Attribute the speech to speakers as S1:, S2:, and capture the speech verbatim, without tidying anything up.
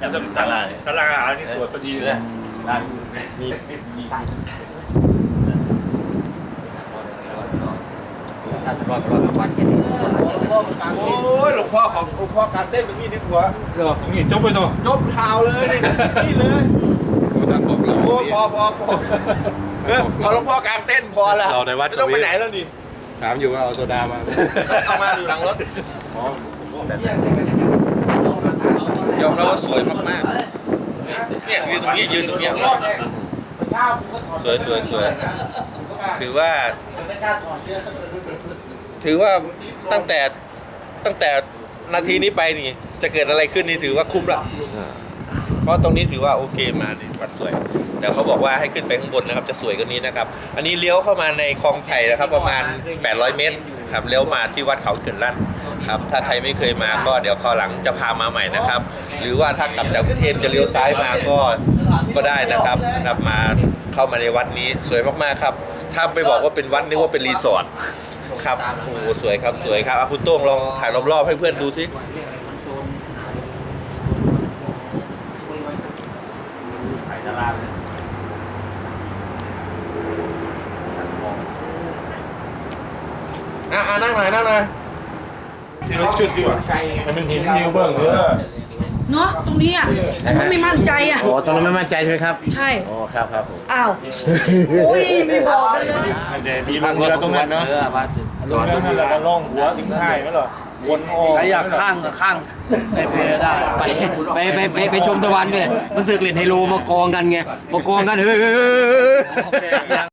S1: จะศาลาศาลาอันนี้สวยพอดีเลยมีมี
S2: ถ้าจะรอดรอดวันแค่นี้
S1: โอ้ยหลวงพ่อของหลวงพ่อการเต้นเป็นนี่นึกหัวนี่จบไปตัวจบข่าวเลยนี่เลยโอ้พอพอพอเออพอหลวงพ่อกลางเต้นพอแล้วเราในวัดไม่ต้องไปไหนแล้วนี่ถามอยู่ว่าเอาโซดามาเอามาอยู่หลังรถยอมรับว่าสวยมากๆเนี่ยยืนตรงนี้ยืนตรงนี้สวยสวยสวยถือว่าถือว่าตั้งแต่ตั้งแต่นาทีนี้ไปนี่จะเกิดอะไรขึ้นนี่ถือว่าคุ้มละเพราะตรงนี้ถือว่าโอเคมาดิวัดสวยแต่เขาบอกว่าให้ขึ้นไปข้างบนนะครับจะสวยกว่านี้นะครับอันนี้เลี้ยวเข้ามาในคลองไผ่นะครับประมาณแปดร้อยเมตรครับเลี้ยวมาที่วัดเขาเขื่อนลั่นครับถ้าใครไม่เคยมาก็เดี๋ยวคราวหลังจะพามาใหม่นะครับ หรือว่าถ้ากลับจากกรุงเทพจะเลี้ยวซ้ายมาก็ก็ได้นะครับนะครับมาเข้ามาในวัดนี้สวยมากๆครับถ้าไปบอกว่าเป็นวัดนึกว่าเป็นรีสอร์ทครับโอ้สวยครับสวยครับคุณโต้งลองถ่ายรอบๆให้เพื่อนดูสิถ่ายตารางอ่ะนั่งหน่อยนั่งหน่อยที่รถชุดดีกว่าให้มันเห็นนิวเบิ้งเถอะ
S3: เนาะตรงนี้อ่ะมันไม่มั่นใจอ่ะ
S4: โอ้ตรงนั้นไม่มั่นใจใช่ไหมครับ
S3: ใช่
S4: โอ้ครับครับผม
S3: อ้าวโอ้ยไม่บอกกันเลย
S1: เดี๋ยวที่ลงเรือตรงนั้นเนาะจอดตรงเรือล่องหัวถึงท้ายไหมหรอวนออก
S2: ใครอยากข้างก็ข้างในเพได้ไปไปไปไปไปชมตะวันเนี่ยมันสึกเล่นไฮโลมากองกันไงมากองกันเฮ้ย